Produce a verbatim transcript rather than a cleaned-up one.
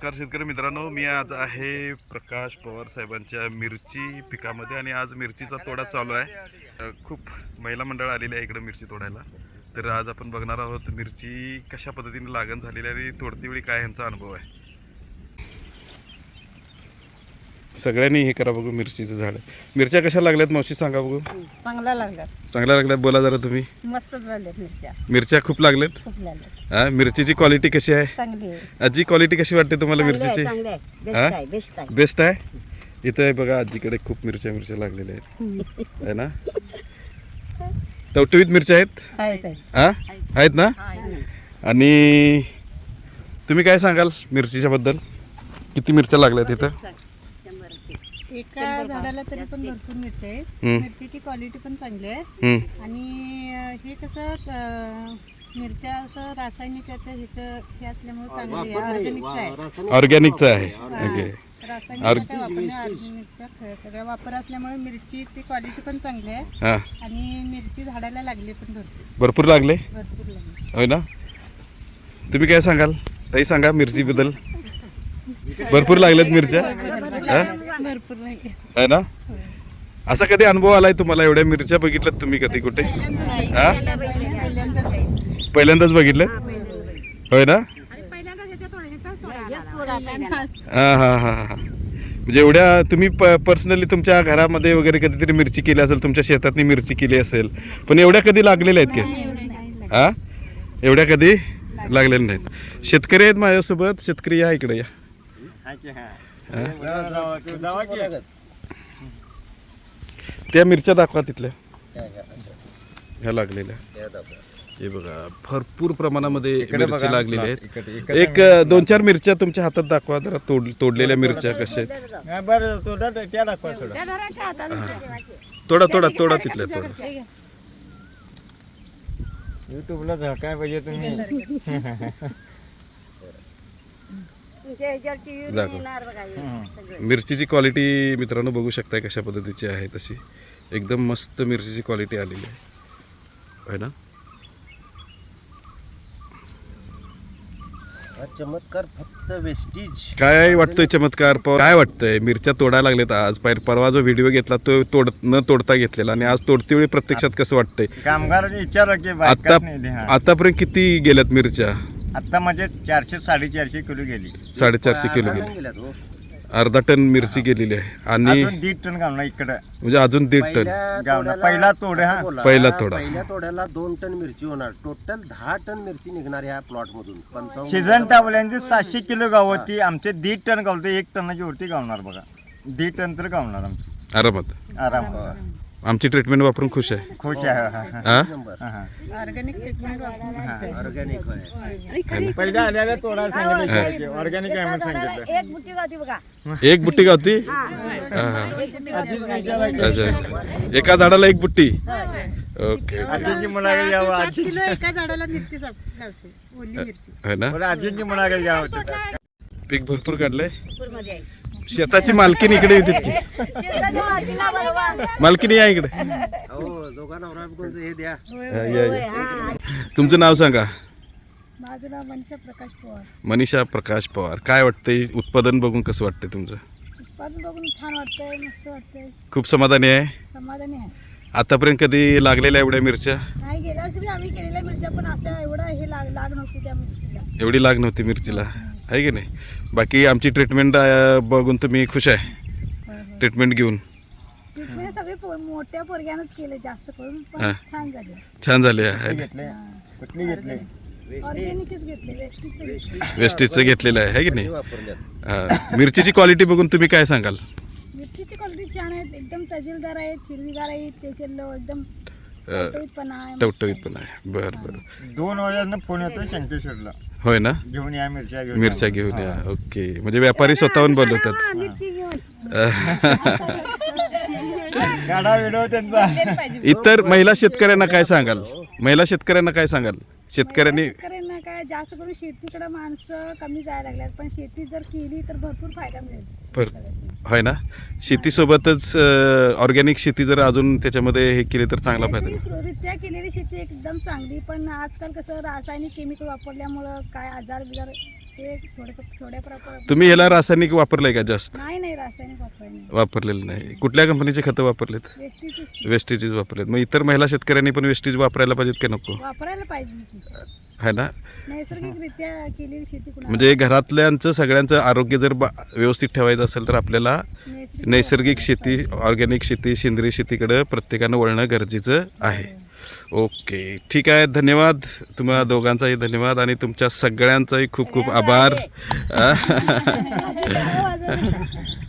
नमस्कार शेतकरी मित्रांनो, मी आज आहे प्रकाश पवार साहेबांच्या मिरची पिकामध्ये आणि आज मिरचीचा तोडा चालू आहे. खूप महिला मंडळ आलेली आहे इकडे मिरची तोडायला. तर आज आपण बघणार आहोत मिरची कशा पद्धतीने लागण झालेली आहे आणि तोडती वेळी काय यांचा अनुभव आहे. सगळ्यांनी हे करा बघू मिरचीचं झाड. मिरच्या कशा लागल्यात मावशी सांगा बघू. चांगला लागला चांगल्या लागल्यात बोला जरा तुम्ही. मस्त झाल्यात मिरच्या मिरच्या खूप लागल्यात. खूप लागल्यात हा मिरचीची क्वालिटी कशी आहे? चांगली आहे. आजी क्वालिटी कशी वाटते तुम्हाला मिरचीची? चांगली आहे बेस्ट हा? आहे बेस्ट आहे बेस्ट आहे. इथं आहे बघा आजीकडे खूप मिरच्या मिरच्या लागलेल्या आहेत है ना. टवटवीत मिरच्या आहेत आहेत आहेत. हा आहेत ना. आणि तुम्ही काय सांगाल मिरचीच्या बद्दल? किती मिरच्या लागल्यात इथं? एका झाडाला तरी पण भरपूर मिरची आहे. हम्म. मिरचीची क्वालिटी पण चांगली आहे. हम्म. आणि अं, हे कसं अं, मिरच्या असं रासायनिकाचं ह्याचं हे असल्यामुळे चांगली आहे. ऑर्गॅनिकचं आहे. ऑर्गॅनिकचं आहे. ओके. रासायनिक ऑर्ग- काय वापरणे ऑर्गॅनिकचा ख- सगळा वापर असल्यामुळे मिरचीची क्वालिटी पण चांगली आहे. हा आणि मिरची झाडाला लागली पण भरपूर भरपूर लागले भरपूर लागली. होय ना. तुम्ही काय सांगाल ताई? सांगा मिरची बद्दल. भरपूर लागल्यात मिरच्या हा? भरपूर लागली. है ना. असा कधी अनुभव आलाय तुम्हाला? एवढ्या मिरच्या बघितल्यात तुम्ही कधी कुठे? हा पहिल्यांदाच बघितलं होय ना. हा हा हा हा म्हणजे एवढ्या तुम्ही पर्सनली तुमच्या घरामध्ये वगैरे कधीतरी मिरची केली असेल, तुमच्या शेतातनी मिरची केली असेल, पण एवढ्या कधी लागलेल्या आहेत का? हा एवढ्या कधी लागलेल्या नाहीत. शेतकरी आहेत माझ्यासोबत. शेतकरी या इकडे या. त्या मिरच्या दाखवा तिथल्या ह्या लागलेल्या. हे बघा भरपूर प्रमाणामध्ये मिरची लागलेली आहेत. एक दोन चार मिरच्या तुमच्या हातात दाखवा जरा. तोड तोडलेल्या मिरच्या कशा आहेत? तोडा तोडा तोडा तिथल्या तोडा. युट्यूबला झाकाय पाहिजे तुम्ही. मिरचीची क्वालिटी मित्रांनो बघू शकताय कशा पद्धतीची आहे. तशी एकदम मस्त मिरचीची क्वालिटी आलेली आहे ना. चमत्कार फक्त वेस्टीज. काय वाटतंय चमत्कार? काय वाटतंय? मिरच्या तोडायला लागलेत आज. परवा जो व्हिडिओ घेतला तो तोड न तोडता घेतलेला आणि आज तोडती वेळी प्रत्यक्षात कसं वाटतंय? कामगारांनी विचार की आता आतापर्यंत किती गेल्यात मिरच्या? आता म्हणजे चारशे साडेचारशे किलो गेली. साडेचारशे किलो गेली. अर्धा टन मिरची गेलेली आहे आणि अजून दीड टन गावना इकडं म्हणजे अजून दीड टन गावना. पहिला तोडा हा पहिला तोडा. पहिल्या तोड्याला दोन टन मिरची होणार. टोटल दहा टन मिरची निघणार ह्या प्लॉट मधून. पंचावन्न सीझन टावल्यांचे सातशे किलो गावती. आमचे दीड टन गावते. एक टनाची वरती गावणार बघा. दीड टन तर गावणार आमचं आरामात. आराम. आमची ट्रीटमेंट वापरून खुश आहे. खुश आहे. हा नंबर ऑर्गॅनिक ट्रीटमेंट ऑर्गॅनिक आहे. पहिल्या आल्याला तोडा सांगितलं ऑर्गॅनिक आहे म्हणून सांगितलं. एक बुट्टी गावती बघा. एक बुट्टी गावती. हा, हा. अच्छा अच्छा. एका झाडाला एक बुट्टी. ओके आजींची मुलाखत यावं. सात आजी किलो एका झाडाला मिरची साप- घालते. ओली मिरची. है ना. बरं, आजींची मुलाखत यावं. पीक भरपूर काढलंय. शेताची मालकीन इकडे येते की? मालकीन या इकडे. हो दोघांना नवरा हे द्या. या, या, या. तुमचं नाव सांगा. माझं नाव मनीषा प्रकाश पवार. मनीषा प्रकाश पवार. काय वाटतंय उत्पादन बघून कसं वाटतंय तुमचं? उत्पादन बघून छान वाटतंय. मस्त वाटतंय. खूप समाधानी आहे. समाधानी आहे. आतापर्यंत कधी लागलेल्या एवढ्या मिरच्या? नाही गेल्या वर्षी बी आम्ही केलेल्या मिरच्या पण असं एवढं हे लाग लाग नव्हती त्या मिरचीला. एवढी लाग नव्हती मिरचीला आहे की नाही. बाकी आमची ट्रीटमेंट बघून तुम्ही खुश आहे? ट्रीटमेंट घेऊन ट्रीटमेंट सगळे पो- मोठ्या पोरग्यानंच केले जास्त करून. हा. पण छान झाले. छान झाले आहे. घेतले कुठली घेतली? ऑर्गॅनिकच घेतले. वेस्टीजचं घेतले. वेस्टेजचं घेतलेलं आहे है की नाही. वापरल्यात. हा. मिरचीची क्वालिटी बघून तुम्ही काय सांगाल? मिरचीची क्वालिटी छान आहेत. एकदम तजेलदार आहेत. हिरवीगार आहेत. त्याचे लो- एकदम टवटवीतपणा आहे. टवटवीत पण आहे. बरं बरं. दोन वाजता फोन येतो शंकेश्वरला. होय ना. घेऊन या मिरच्या घेऊन मिरच्या या. घेऊन हा. या. ओके म्हणजे व्यापारी स्वतःहून बोलवतात. हा, मिरची घेऊन. गाडा व्हिडिओ त्यांचा. इतर महिला शेतकऱ्यांना काय सांगाल? महिला शेतकऱ्यांना काय सांगाल? शेतकऱ्यांनी शेतकऱ्यांना काय जास्त करून शेतीकडे माणसं कमी जायला लागल्यात. पण शेती जर केली तर भरपूर फायदा मिळेल. पर होय ना. शेतीसोबतच ऑर्गॅनिक शेती जर अजून त्याच्यामध्ये हे केली तर चांगला फायदा. नैसर्गिकरित्या केलेली शेती एकदम चांगली. पण आजकाल कसं रासायनिक केमिकल वापरल्यामुळं काय आजार बिजार हे थोडे थोड्या प्रमाणात तुम्ही ह्याला रासायनिक वापरलंय का जास्त? नाही नाही रासायनिक वापरायला नाही. वापरलेलं नाही. कुठल्या कंपनीचे खतं वापरलेत? वेस्टीचीच वेस्टेजेस वापरलेत. मग इतर महिला शेतकऱ्यांनी पण वेस्टेज वापरायला पाहिजेत का नको? वापरायला पाहिजे की. है ना? नैसर्गिकरित्या केलेली शेती कुणाला म्हणजे घरातल्यांचं सगळ्यांचं आरोग्य जर बा व्यवस्थित ठेवायचं असेल तर आपल्याला नैसर्गिक नैसर्गिक शेती, ऑर्गॅनिक शेती, सेंद्रिय शेतीकडे प्रत्येकानं वळणं गरजेचं आहे. ओके, ठीक आहे. धन्यवाद. तुम्हाला दोघांचाही धन्यवाद आणि तुमच्या सगळ्यांचाही खूप खूप आभार. वापरायला.